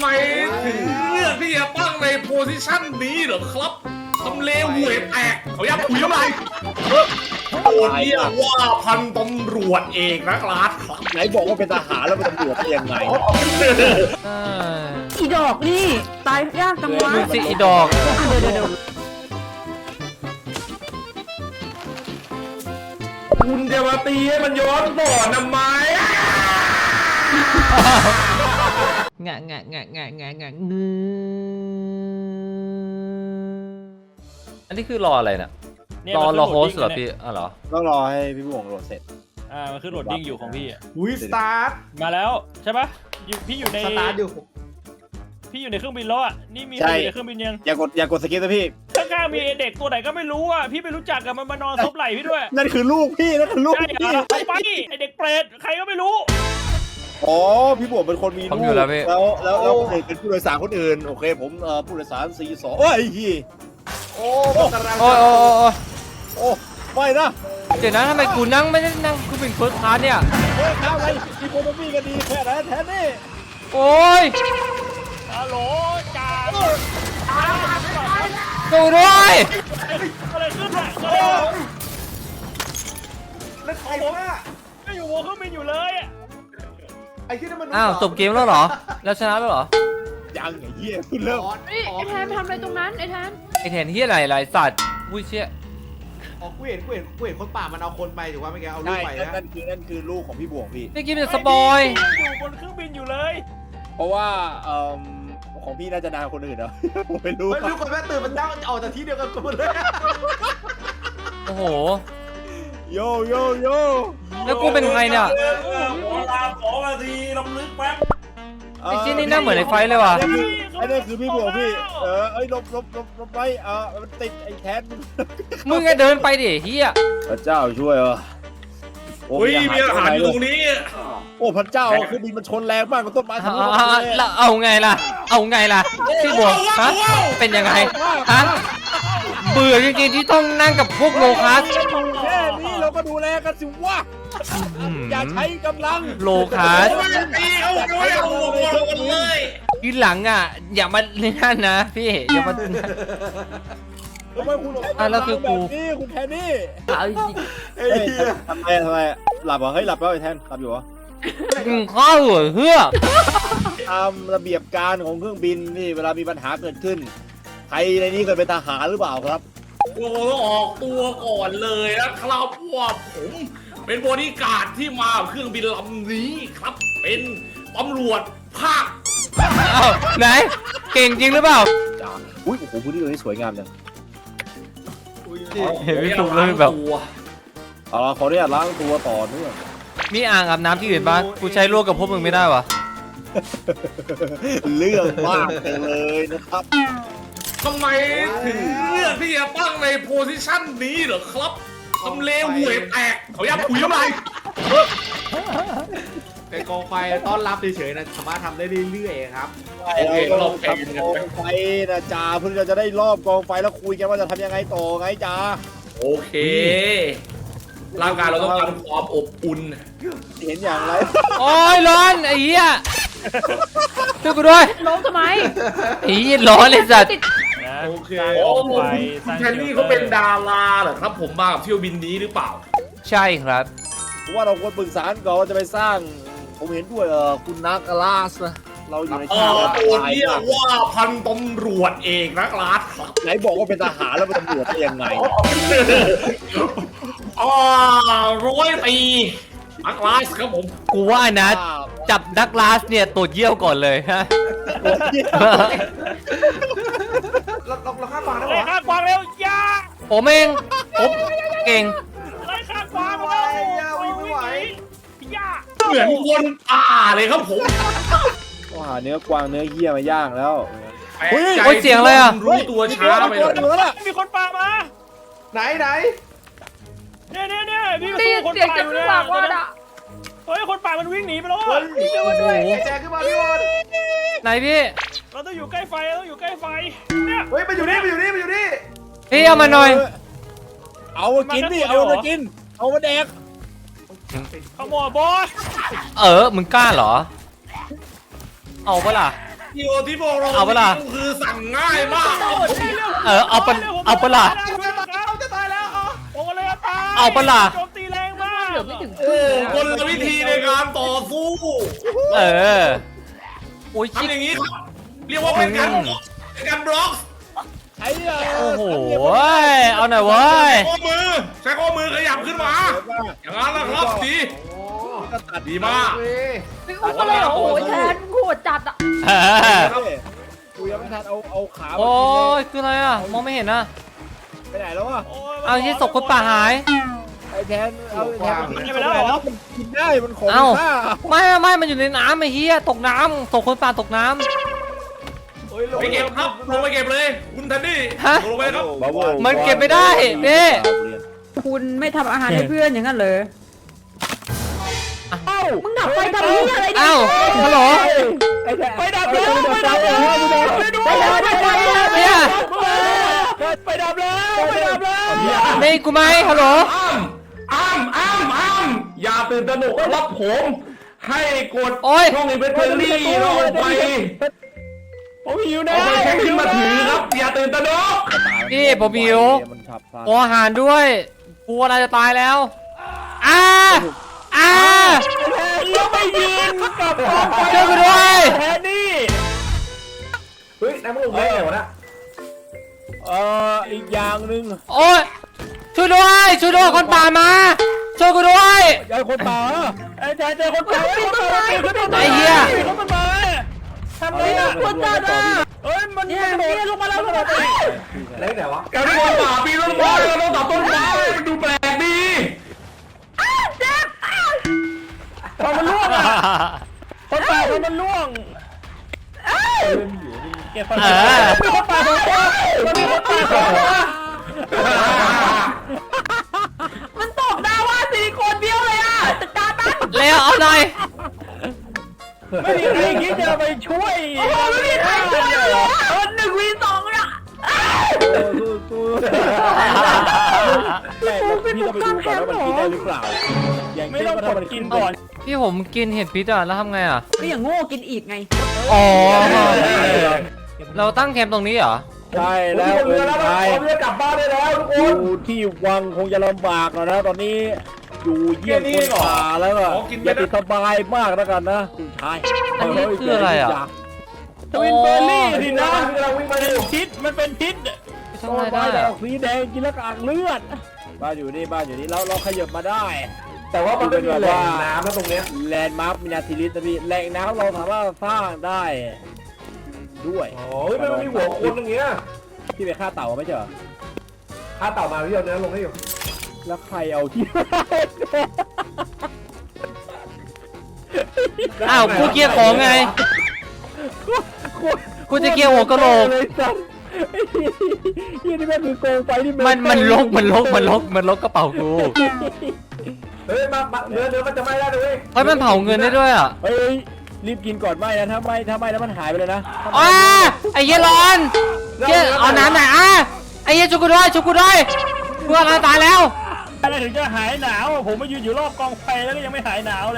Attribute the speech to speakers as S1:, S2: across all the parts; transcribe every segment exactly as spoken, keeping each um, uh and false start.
S1: ไมถึงเลือกที่จะตั้งในโพสิชันนี้เหรอครับตำเลวหวยแตกเขาอยากคุยอะไรตัวเรียกว่าพันตำรวจเอกนะครับ
S2: ไหนบอกว่าเป็นทหารแล้วเป็นตำรวจได้ยังไง
S3: อีดอกนี่ตายยากจังวะ
S4: สิอีดอก
S3: เดี๋ยวเดี๋ยว
S1: คุณจะมาตีให้มันย้อนบ่อทำไม
S4: งะงะงะงะงะงะงือันนี้คือรออะไรน่ะรอรอโฮสเหรอพี่อ๋อเหรอ
S2: ต้องรอให้พี่บุ๋งโหลดเสร็จ
S5: อ่ามันคือโหลดดิ้งอยู่ของพี่
S1: อุ้ยสตาร์ท
S5: มาแล้วใช่ปะอยู่พี่อยู่ใน
S1: สตาร์ทอยู่
S5: พี่อยู่ในเครื่องบินแล้วอ่ะนี่มีอยู่ในเครื่องบินยัง
S2: อย่ากดอย่ากดสกิปนะพี่
S5: ข้างๆมีเด็กตัวไหนก็ไม่รู้อ่ะพี่ไม่รู้จักกับมันมานอนซบไหล่พี่ด้วย
S2: นั่นคือลูกพี่นั่นคือลูกพี่
S5: ไปไอเด็กเปรตใครก็ไม่รู้
S2: อ๋อพี่บุ๋มเป็นคนมีลูกแล้วแล้วแล้วคนอื่นเป็นผู้โดยสารคนอื่นโอเคผมเอ่อผู้โดยสารสี่สองโอ้ยฮี
S1: โอ้กำลัง
S4: โอ้โอ้โอ้
S2: โอ้ไม่นะ
S4: เดี๋ยวนะทำไมกูนั่งไม่ได้นั่งกูเป็นเฟิร์สคลาสเนี่ย
S2: เฮ้ยข้าวอะไรอีโคโนมี่ก็ดีแค่ไหนแทนนี่
S4: โอ้ย
S5: ฮัลโหลจ่า
S4: ดูด้วย
S5: อะไรขึ้นอ่ะ
S1: แล้วใครวะ
S5: ไม่อยู่บนเครื่องบินอยู่เลย
S1: ไอ้ที่นั่นมัน
S4: อ้าวจบเกมแล้วเหรอแล้วชนะแล้วเหรอ
S2: ยังไงเฮียคุณเริ่ม
S3: ไอ้แทนทำอะไรตรงนั้นไอ้แทน
S4: ไอ้แทนเฮียอะไรไรสัตว์วุ้ยเชี่ย
S1: อ๋อกูเห็นกูเห็นกูเห็นคนป่ามันเอาคนไปถือว่าไม่แกเอาลูกไปนะ
S2: นั่นคือนั่นคือลูกของพี่บวงพี่
S4: ไม่กินเป็นสปอย
S5: อยู่บนเครื่องบินอยู่เลย
S2: เพราะว่าเอ่อของพี่น่าจะนานคนอื่นเหรอผมไม่รู้
S1: ไม่รู้คนแม่ตื่นมันนั่งออกจากที่เดียวกันหมดเลย
S4: โอ้โห
S2: โยโยโย
S4: แล้วกูเป็นใครเนี่ย
S1: ขอลาขอมาทีลำลึกแป๊บ
S4: ไอ้ชิ้นนี้น่าเหมือนไอ้ไฟเลยว่ะ
S2: ไอ้นี่คือพี่บวงพี่เออไอ้ลบลบลบลบไปเออมันติดไอ้แทน
S4: มึงไงเดินไปดิเฮีย
S2: พระเจ้าช่วยเหรอ
S1: โอ้ยมีอาหารอยู่ตรงนี้
S2: โอ้พระเจ้าคือบินมันชนแรงมากกับต้นไม้ทั้งหมด
S4: แล้วเอาไงล่ะเอาไงล่ะพี่บวงฮะเป็นยังไงฮะเบื่อจริงๆที่ต้องนั่งกับพวกโลคัส
S2: แค่นี้เราก็ดูแลกันสิวะอย่าใช้กำลัง
S4: โลคัส
S1: ตีเอาเลยเอาเลย
S4: ทีหลังอ่ะอย่ามาเล่นนั่นนะพี่อย่ามา
S2: ทำไมคุณ
S4: อ่ะแล้วคือกู
S2: นี่คุณแทนนี่
S4: เฮ้ย
S2: ทำไมทำไมหลับเหรอเฮ้ยหลับแล้วไอ้แทนหลับอยู่เหรอ
S4: ข้าวหัวเฮือก
S2: ตามระเบียบการของเครื่องบินนี่เวลามีปัญหาเกิดขึ้นใครในนี้เคยเป็นทหารหรือเปล่าครับ
S1: โอ้ออกตัวก่อนเลยนะครับว่าผมเป็นบริการที่มาเครื่องบินลำนี้ครับเป็นตำรวจภาค
S4: ไหนเก่งจริงหรือเปล่า
S2: อุ้ยโอ้โหพื้นที่ตรงนี้สวยงามจัง
S4: เห็นพี่ถูกเลยแบบ
S2: อ๋อขออนุญาตล้างตัวต่อเนื่อง
S4: มีอ่างอาบน้ำที่อื่นบ้างกูใช้ลวกกับพวกมึงไม่ได้วะ
S2: เรื่องมากเลยนะครับ
S1: ทำไมถึงเลือกที่จะตั้งในโพสิชันนี้เหรอครับตำเลวหวยแตกเขาอยากคุยอะไรเป็นกองไฟต้อนรับเฉยๆนะสามารถทำได้เรื่อยๆครับ
S2: โอเครอบกองไฟนะจ่าเพื่อเราจะได้รอบกองไฟแล้วคุยกันว่าจะทำยังไงต่อไงจ่า
S1: โอเคร่างกายเราต้องการความอบอุ่น
S2: เห็นอย่างไร
S4: โอ้ยร้อนไอ้เหี้ยช่วยกูด้วย
S3: ล้มทำไม
S4: ไอ้เหี้ยร้อนเลยสัตว์
S1: โอเคโอ้คุณแทนนี่เขาเป็นดาราเหรอครับผมมากับเที่ยวบินนี้หรือเปล่า
S4: ใช่ครับ
S2: เพราะว่าเราควรปรึกษาก่อนว่าจะไปสร้างผมเห็นด้วยเออคุณนักลาสนะเราอยู่ใน
S1: ข่าวตัวเรียกว่าพันตำรวจเอกนะครับ
S2: ไหนบอกว่าเป็นทหารแล้วเป็นตำรวจได้ยังไง
S1: อ๋อร้อยปีนักลาสครับผม
S4: กูว่านะจับนักลาสเนี่ยตรวจเยี่ยวก่อนเลยฮะ
S1: เราเราฆ่ากวางได้
S5: หรอฆ่ากวางเร็วย่า
S4: ผมเองผมเก่ง
S5: ไล่ฆ่ากวางแล้ว
S1: ไม่ไหวย่าเหมือนคนป่าเลยครับผม
S2: ก็หาเนื้อกวางเนื้อเหี้ยมาย่างแล้ว
S4: เฮ้ยเสียงอะไรอ่ะ
S1: รู้ตัวช้าไป
S5: เลยมีคนป่ามา
S1: ไหนไหน
S5: เนี่ยเนี่ยเนี่ยพี่ก็สู้คนป่าอยู่เนี่ยเฮ้ยคนป่ามันวิ่งหนีไปแล้วอ่ะ
S1: เจอมาด้วยแจกขึ้นมาพี่บอล
S4: ไหนพี่
S5: เราต้องอยู่ใกล้ไฟเราต้องอยู่ใกล้ไฟเนี่ย
S1: เฮ้ยไปอยู่นี่ไปอยู่นี่ไปอยู่นี่
S4: พี่เอามาหน่อย
S2: เอามากินดิเอามากินเอามาแดก
S5: ขโมยบอส
S4: เออมึงกล้าเหรอเอาปะล่ะ
S1: กิลที่พวกเรา
S4: เอาเปล่า
S1: คือสั่งง่ายมาก
S4: เออเอาปะเอาปะล่ะ
S5: จะตายแล้วอ๋อโอ้เลยตาย
S4: เอาปะล่ะ
S5: โจมตีแรงมาก
S3: เหลือไม่ถึง
S1: โอ้คนละวิธีในการต่อสู้
S4: เออโอ้ยชิค
S1: ทำอย่างนี้ครับเรียกว่าเป็นการเป็นการบล็อก
S2: ไอ้เนี่ย
S4: โอ้โหเอาหน่อยเว้ย
S1: ข้อมือใช้ข้อมือขยับขึ้นมา อย่างนั้นนะครับดี
S2: ก็ตัด
S1: ดีมาก
S3: ไม่อุ้มเลยเหรอโอ้ยแทนโหดจัดอ่ะ
S4: เออ
S2: กูยังไม่ทันเอาเอาขา
S4: โอ้ยคืออะไรอ่ะมองไม่เห็นนะ
S2: ไปไหนแล้ววะ
S4: เอาที่ศพคนป่าหาย
S2: ไอ้แทนเอาแทน
S5: กินไปแล้วเหรอ
S2: มันกินได้มันของ
S4: เอ้า
S2: ค่า
S4: ไม่ไม่มันอยู่ในน้ำไอ้เหี้ยตกน้ำศพคนป่าตกน้ำ
S1: ไปเก็บครับลงไปเก็บเลย คุณทันดี้
S4: ฮะ
S1: ลงไปครับ
S4: มันเก็บไม่ได้นี่
S3: คุณไม่ทำอาหารให้เพื่อนอย่างนั้นเลยมึงดับไฟทำนี่อะไรเนี่ย
S4: เอ้าฮัลโหล
S2: ไอ้แทน
S5: ไปดับแล้วไปดับแล้วไปดู
S3: ไปเลยไปเลย
S4: เนี่ย
S5: ไปดับแล้วไปดับแล้ว
S4: นี่กูไหมฮัลโหล
S6: อ้ามอ้ามอ้ามอย่าตื่นตระหนกรับผม ให้กด
S4: โอ้ย
S6: ช่องอินเวนทอรี่ลงไป
S5: ผมหิวนะ
S6: เอาไปแค่ขึ้นมาถือครับ อย่าตื่นตระหนก
S4: พี่ผมหิว
S2: มันฉับพลัน
S4: โออาหารด้วยกูอะไรจะตายแล้วอ้าอ้า
S5: แล้วไปยืนกับกองไฟ
S4: ช่วยกูด้วย
S5: แทนนี่
S6: เฮ้ยนายมึงลงได้ไงวะนะ
S2: เอ่ออีกอย่างหนึ่ง
S4: โอ้ยช่วยด้วยช่วยด้วยคนป่ามาช่วยกูด้วย
S2: ยายคนป่า
S5: ไอ้แทนเจอคนตายคนตายคนตาย
S4: ไอ้เหี้ย
S5: คนตายทำไงอ่ะ
S3: คนจัดอ่ะ
S5: เฮ้ยมัน
S3: เนี่ย
S5: มันโด
S3: เนี่ย
S5: ด
S3: ลงมาแล้วลงมาแล้ว
S6: อะไรไหนวะการที่คนป่าปีนต้นไม้เราต้องตัดต้นไม้ดูแปลกดี
S5: พอมันล่วงอ่ะคนตายพอมันล่วงเก็บคนตายมีคนตายของตัวมันมีคนตายของตัว
S3: มันตกดาว่าสี่คนเดียวเลยอ่ะจัดการมัน
S4: เร็วเอาหน่อย
S5: ไม่มีใครคิดจะไปช่วย
S3: โอ้โหไม่มีใครช่วยเลยเหรอเออหนึ่งวีสองอ่ะ
S2: สู้สู้แต่พี่ต้องไปดูก่อนว่ามันกินได้หรือเปล่าอย่าง
S5: ไม่
S2: เช่น
S5: ต้อง
S2: ว่าก ถ้า
S5: ด
S2: มัน
S5: กิ
S2: กิ
S5: น
S2: น
S5: ก่อน
S4: พี่ผมกินเห็ดพิษอ่ะแล้วทำไงอ่ะ
S3: ก็อย่างโง่กินอีกไง
S4: อ๋อเราตั้งแคมป์ตรงนี้เหรอ
S2: ใช่แล้ว
S6: เรือแล้วเราเรือกลับบ้านได้แล้วทุกค
S2: อน ยู่ที่วังคงจะลำบากแล้วนะตอนนี้อยู่เยี่ยมคนป่าแล้วก็อย่าติดสบายมากแล้วกันนะคุณชาย
S4: อันนี้คืออะไรอ่ะ
S5: ทวินเบอร์รี่ดินะ
S6: กำลังวิ่งมา
S5: เป็
S6: อน ยู่
S5: พิษมันเป็นพิษ
S4: ทำไง
S2: ต้น
S4: ได้
S2: ไม้ด
S4: อะ
S2: อกสีแดงกินแล้วกากเลือดบ้านอยู่นี่บ้านอยู่นี่เราเราขยับมาได้
S6: แต่ว่ามันไม่มีแหล่งน้ำแล้วตรงเนี้ย
S2: แลนด์มาร์คมินาทิลิสนะพี่แหล่งน้ำเราสามารถสร้างได้ด้วย
S6: โอ้ยมันมีหัวคนอย่างเงี้ย
S2: พี่ไปฆ่าเต่าไม่ใช่เหรอ
S6: ถ้าเต่ามาพี่เอาเนื้อลงให้อยู่
S2: แล้วใครเอาที่
S4: อ้าวกูเกลียร์ของไง กูจะเกลียร์หัวกะโหลก
S2: เลยสัตว์ยี่นี่แม่งคือโกงไฟที่
S4: มันมันลกมันลกมันลกมันลกกระเป๋ากู
S6: เฮ้ยมาเนื้อเนื้อมันจะไหม้ได้เลย
S4: เฮ้ยมันเผาเงินได้ด้วยอ่ะ
S2: เฮ้ยรีบกินก่อนไหมนะถ้าไม่ถ้าไม่แล้วมันหายไปเลยนะ
S4: อ้าไอ้เหี้ยร้อนเหี้ยเอาน้ำหน่อยอ่ะไอ้เหี้ยชุบกูด้วยชุบกูด้วยเพื่อนเราตายแล้ว
S5: อะไรถึงจะหายหนาวผมมายืนอยู่รอบกองไฟแล้วก็ยังไม่หายหนาวเลย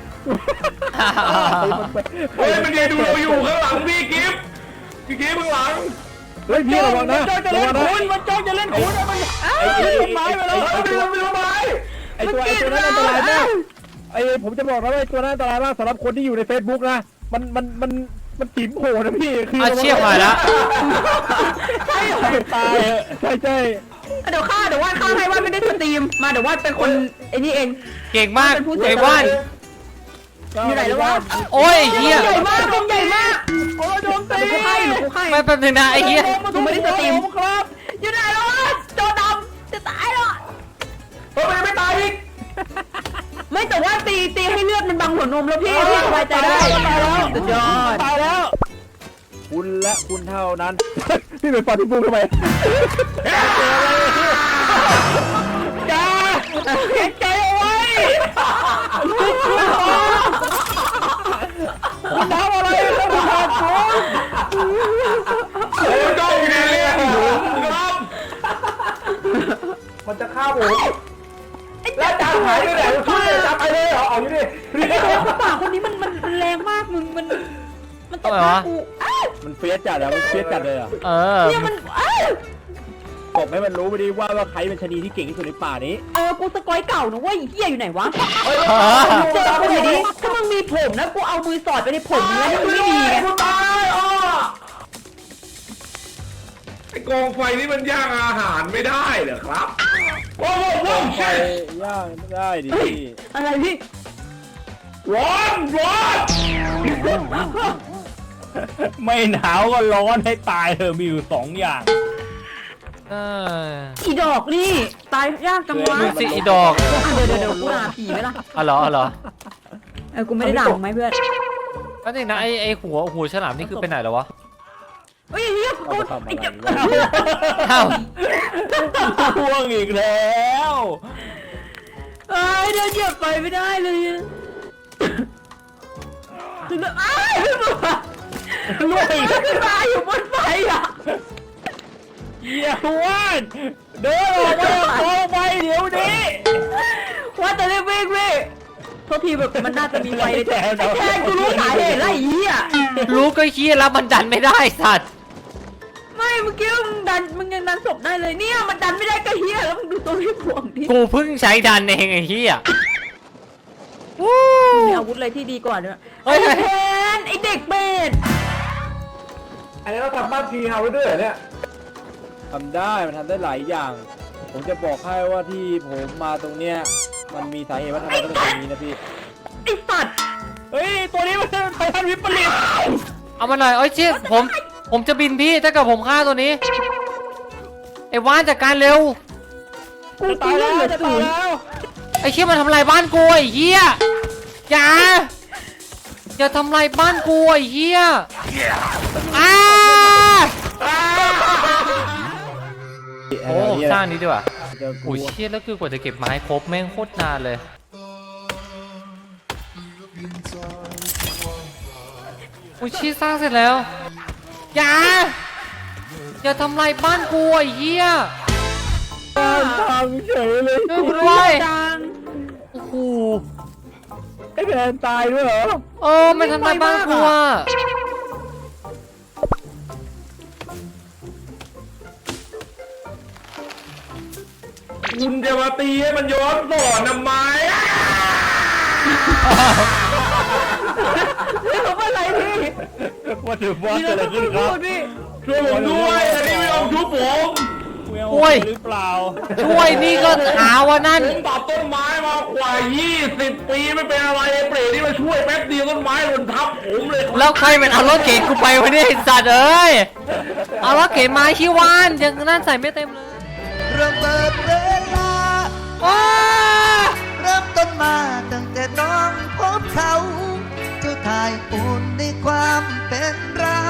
S6: เฮ้ยมันยืนดูเราอยู่ข้างหลังพี่กิฟต์พี่กิฟต์ข้างหลัง
S2: เฮ้ยพี่ระวังนะ
S5: มันจ้องจะ
S2: ระ
S5: เล่
S2: วัน งนะ
S5: คุณมันจ้องจะเล่นคุณมัน
S2: ไอ้ไอ้
S5: ต้นไม้ไปแล้ว
S6: เฮ้ยไม่รู้ไม่รู้ไหม
S2: ไอ้ตัวไอ้ตัวนั้นอันตรายมากไอ้ผมจะบอกนะว่าไอ้ตัวนั้นอันตรายมากสำหรับคนที่อยู่ใน Facebook นะมันมันมันมันติ๋มโหนะพี่คือ
S4: อาเชียบหายแล้ว
S3: ใช่เหรอ
S2: ตายใช่ใช่
S3: เดี๋ยวข้าเดี๋ยววาดข้าให้วาดไม่ได้สตรีมมาเดี๋ยววาดเป็นคนไอ้นี่เอง
S4: เก่งมากไอ้ว่าน
S3: อยู่ไหนแล้ววะ
S4: โอ้ยไอ้เหี้ย
S3: ใหญ่มากใหญ่มาก
S5: โอ้ยโดนตี
S3: เดี๋ยวกูให้เดี๋ยวกูให้
S4: ไม่แป๊บนึงนะไอ้เหี้ย
S3: กูไม่ได้สตรีม
S5: ครับ
S3: อยู่ไหนแล้ววะโจดำจะตายแล้ว
S6: เฮ้ยมันไม่ตายอีก
S3: ไม่แต่ว่าตีตีให้เลือดมันบังหัวนมแล้วพี่พี่สบายใจได้สุดยอด
S5: ตายแล้ว
S2: คุณและคุณเท่านั้น พี่ไปฟันที่ปุ้งทำไม
S5: จ้าเก็บใจเอาไว้คุณทำอะไรครับคุณทำคุณ
S6: โอ้ยจ้องอยู่ในเรื่องผมครับมันจะฆ่าผมแล้วจานหายไปไหนช่วยจับไปเลยเหรอเอาอยู่ดิ
S3: ไอ้ตัวกระป๋าคนนี้มันมันมันแรงมากมึงมันมันตบหน้ากูอ้า
S2: มันเฟียสจัดอะมันเฟียสจัดเลยอะ
S4: เออ
S3: เนี่ยมันเอ้ย
S2: บอกให้มันรู้ไปดิว่าว่าใครเป็นชะนีที่เก่งที่สุดในป่านี้
S3: เออกูสกอยเก่านะเว้ยเฮียอยู่ไหนวะ
S4: เออ
S3: เจอกูหน่อยดิถ้ามึงมีผมนะกูเอามือสอดไปในผมมึงแล้วนี่มึงไม่มีไง
S6: กูตายอ้อไอ้กองไฟนี่มันย่างอาหารไม่ได้เหรอครับโอ้โหโอ้โห
S2: ไปย่างได้ดิ
S3: เฮ้ย
S2: พี่
S3: อะไรพี่
S6: ร้อนร้อน
S5: ไม่หนาวก็ร้อนให้ตายเธอะมีอยู่สองอย่าง
S4: เออ
S3: อีดอกนี่ตายยากจังวะ
S4: ดูสิอีดอก
S3: อ่ะเดี๋ยวเดี๋ยวเดี๋ยวกูด่าผีไหมล่ะ
S4: อ๋อเหรออ๋อเหรอ
S3: เออกูไม่ได้ด่ามึงไหมเพื่อน
S4: ก็นี่นะไอไอหัวหัวฉลามนี่คือไปไหนแล้ววะ
S3: เฮ้ยเฮีย
S2: เอา
S3: กู
S2: ไปทำอะไร
S3: ไอ้เจ็บ
S2: วะ
S4: อ้าว
S5: พ่วงอีกแล้ว
S3: เอ้ยเดินเหยียบไปไม่ได้เลยถึงแล้วอ้ายขึ้นมา
S5: ล่วงอีก
S3: ขึ้นมาอยู่บนไฟอ่ะ
S5: เหี้ยว่านเดินออกมาออกไปเดี๋ยวนี้
S3: ว่าแต่เรียกเว้ยเว้ยโทษทีแบบมันน่าจะมีไฟเลยแต่ไอ้แทนกูรู้สาเหตุแล้วไอ้เหี้ย
S4: รู้ก็ขี้แล้วมันดันไม่ได้สัตว์
S3: ไม่เมื่อกี้มึงดันมึงยังดันศพได้เลยเนี่ยมันดันไม่ได้ก็เหี้ยแล้วมึงดูตัวที่พวงดิ
S4: กูเพิ่งใช้ดันเองไอ้เหี้ย
S3: มีอาวุธอะไรที่ดีกว่าด้วย
S4: เฮ้ย
S3: ไอ้แทนไอ้เด็กเบส
S6: อันนี้เราทำบ้านทีเฮาด้วยเหรอเนี่ย
S2: ทำได้มันทำได้หลายอย่าง ผมจะบอกให้ว่าที่ผมมาตรงเนี้ยมันมีสาเหตุว่าทำไมต้องเป็นแบบนี้นะพี่
S3: ไอ้สัตว์
S5: เฮ้ยตัวนี้มันเป็นไททันวิปริต
S4: เอามาหน่อยเอ้ยเชี่ยผมผมจะบินพี่ถ้าเกิดผมฆ่าตัวนี้ไอ้ว่านจัดการเร็ว
S3: กู
S5: จะ
S3: ตา
S5: ตาย ย
S3: แล้
S5: แล้ว ว
S3: จะ
S5: จะ
S3: ตา
S5: ตาย ย
S3: แล้
S5: แล้ว ว
S4: ไอ้เชี่ยมันทำลายบ้านกูไอ้เหี้ยอย่าอย่าทำลายบ้านกูไอ้เหี้ยอ้าโอ้สร้างนี้ดีกว่า
S2: จะกลั
S4: โอ้
S2: วย
S4: เชี่ยแล้วคือกว่าจะเก็บไม้ครบแม่งโคตรนานเลยโอ้ยเชี่ยสร้างเสร็จแล้วอย่าอย่าทำลายบ้านกูไอ้เหี้ย
S2: ทำเฉยเลย
S4: ช่วยกูด้วย
S3: จัง
S4: โอ้โห
S2: ไอ้แทนตายด้วยเหรอ
S4: เออไม่ทำลายบ้านกูอ่ะ
S6: คุณจะมาตีให้มันย้อนสอนทำไม
S3: นี่เขาเป็นอะไรพี่
S5: ว่าถือว่า
S3: นี่
S5: เกิด
S3: เรา
S5: อะไร
S3: ต้
S5: ขึ้น
S3: อง
S5: ครั
S3: พู
S5: บ
S3: ดพี่
S6: ช่วยผมด้วยอันนี้ไม่ยอมชุบผม
S5: โอ้ยหรือเปล่า
S4: ช่วยนี่ก็หาว่านั่น
S6: ผมตัดต้นไม้มากว่ายี่สิบปีไม่เป็นอะไรไอ้เปรตนี่มาช่วยแป๊บเดียวต้นไม้หล่นทับผมเลยครับ
S4: แล้วใครเป็นเอารถเก๋งกูไปวะเนี่ยไอ้สัตว์เอ้ยเอารถเก๋งมาชิวานยังนั่นใส่ไม่เต็มเลย
S7: เริ่มเปิดเวลา
S4: ว้า
S7: เริ่มต้นมาตั้งแต่น้องพบเขาเจ้าทายอุ่นในความเป็นเรา